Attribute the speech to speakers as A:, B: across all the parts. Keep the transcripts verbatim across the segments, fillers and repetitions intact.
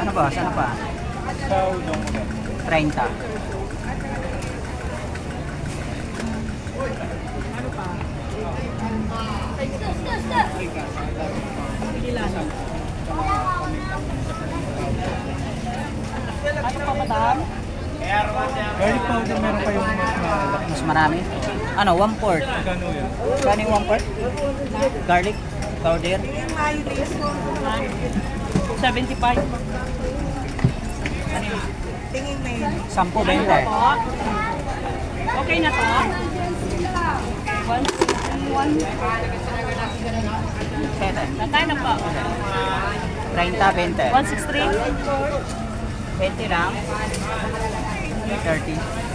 A: Ano ba? Sana pa?
B: Sa udong mo.
A: thirty.
C: Ano pa, madam?
B: Garlic powder meron kayong mas malaki.
A: Mas marami. Ano? One fourth.
B: Magkano yan?
A: Kano yung one fourth? Garlic powder.
C: seventy-five.
A: Ano yun? Sampo, bente.
C: Okay na to? One, one.
A: Sete.
C: Natay na po.
A: thirty, bente.
C: one sixty-three.
A: twenty lang. thirty.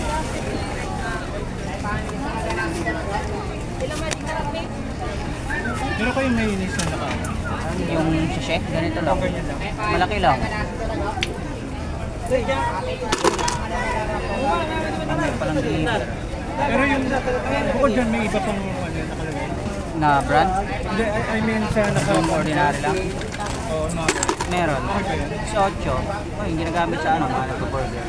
B: Meron kayong mayonnaise na naka.
A: Yung sachet, ganito lang.
B: Ganyan lang.
A: Malaki lang. Ano palang deliver?
B: Pero yung bukod dyan may iba pang ano nakalagay.
A: Na brand?
B: Hindi, I, I mean sa naka...
A: Yung ordinary lang?
B: Oo, no.
A: Meron.
B: Okay ba yan?
A: Si Ocho. Oh, yung ginagamit sa ano, mga nagpo-burger.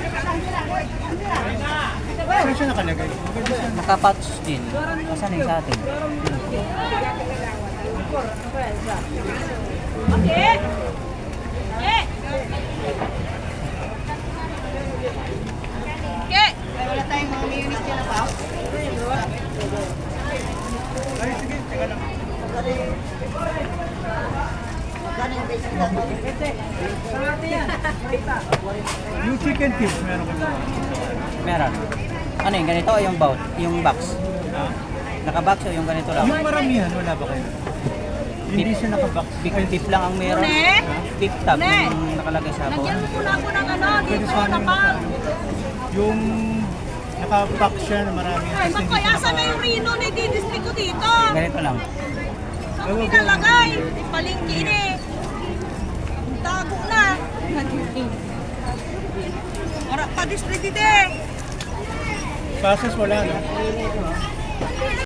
B: Saan siya nakalagay? Maganda siya.
A: Nakapatch din. Saan yung sa atin?
C: Okay. Okay. Okay. Wala tayong mga mayonnaise dyan na pa.
B: Ay, sige, teka lang. Yung chicken cubes meron kayo.
A: Meron. Ano yung ganito o yung bout? Yung box?
B: Ha?
A: Naka-box o yung ganito lang?
B: Yung maramihan, wala ba kayo? Hindi siya naka-box.
A: Big beef lang ang meron.
C: Ne?
A: Beef tab
C: Ne?
A: yung nakalagay sa
C: Lagyan
A: bowl.
C: mo muna ako ng ano,
B: Pwede
C: dito,
B: sana yung
C: napal.
B: Yung naka-box siya na marami.
C: Ay, magkayasa na yung Rino na i-display ko dito.
A: Ganito lang.
C: Saan pinalagay? Palingki ni. Tago na. Para pa-display dito eh.
B: Passes wala, no?